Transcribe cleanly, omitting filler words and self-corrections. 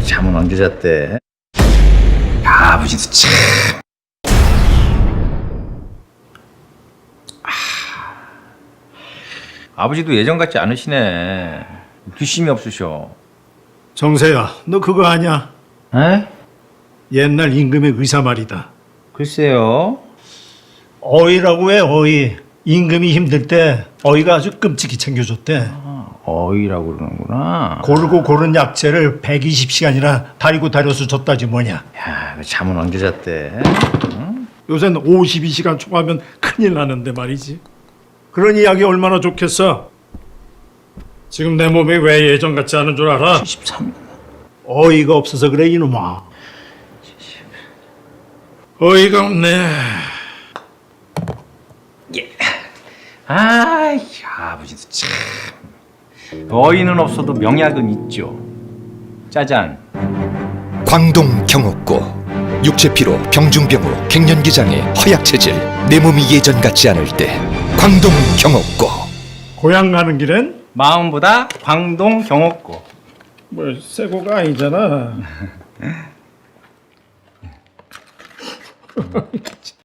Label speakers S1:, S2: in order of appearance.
S1: 잠은 언제 잤대? 야, 아버지도 참. 아버지도 예전 같지 않으시네. 뒷심이 없으셔.
S2: 정세야, 너 그거 아냐?
S1: 에?
S2: 옛날 임금의 의사 말이다.
S1: 글쎄요.
S2: 어이라고 해, 어이. 임금이 힘들 때 어이가 아주 끔찍히 챙겨줬대.
S1: 어이라고 그러는구나.
S2: 고르고 고른 약재를 120시간이나 다리고 다려서 줬다지 뭐냐.
S1: 야, 그 잠은 언제 잤대?
S2: 요새는 52시간 초과하면 큰일 나는데 말이지. 그런 이야기 얼마나 좋겠어. 지금 내 몸이 왜 예전 같지 않은 줄 알아?
S1: 73년.
S2: 어이가 없어서 그래 이놈아. 어이가 없네.
S1: 아이, 아버지도 참. 어이는 없어도 명약은 있죠. 짜잔.
S3: 광동 경옥고 육체피로 병중병으로 갱년기장애 허약체질 내 몸이 예전 같지 않을 때 광동 경옥고
S2: 고향 가는 길엔
S1: 마음보다 광동 경옥고.
S2: 뭐 새고가 아니잖아.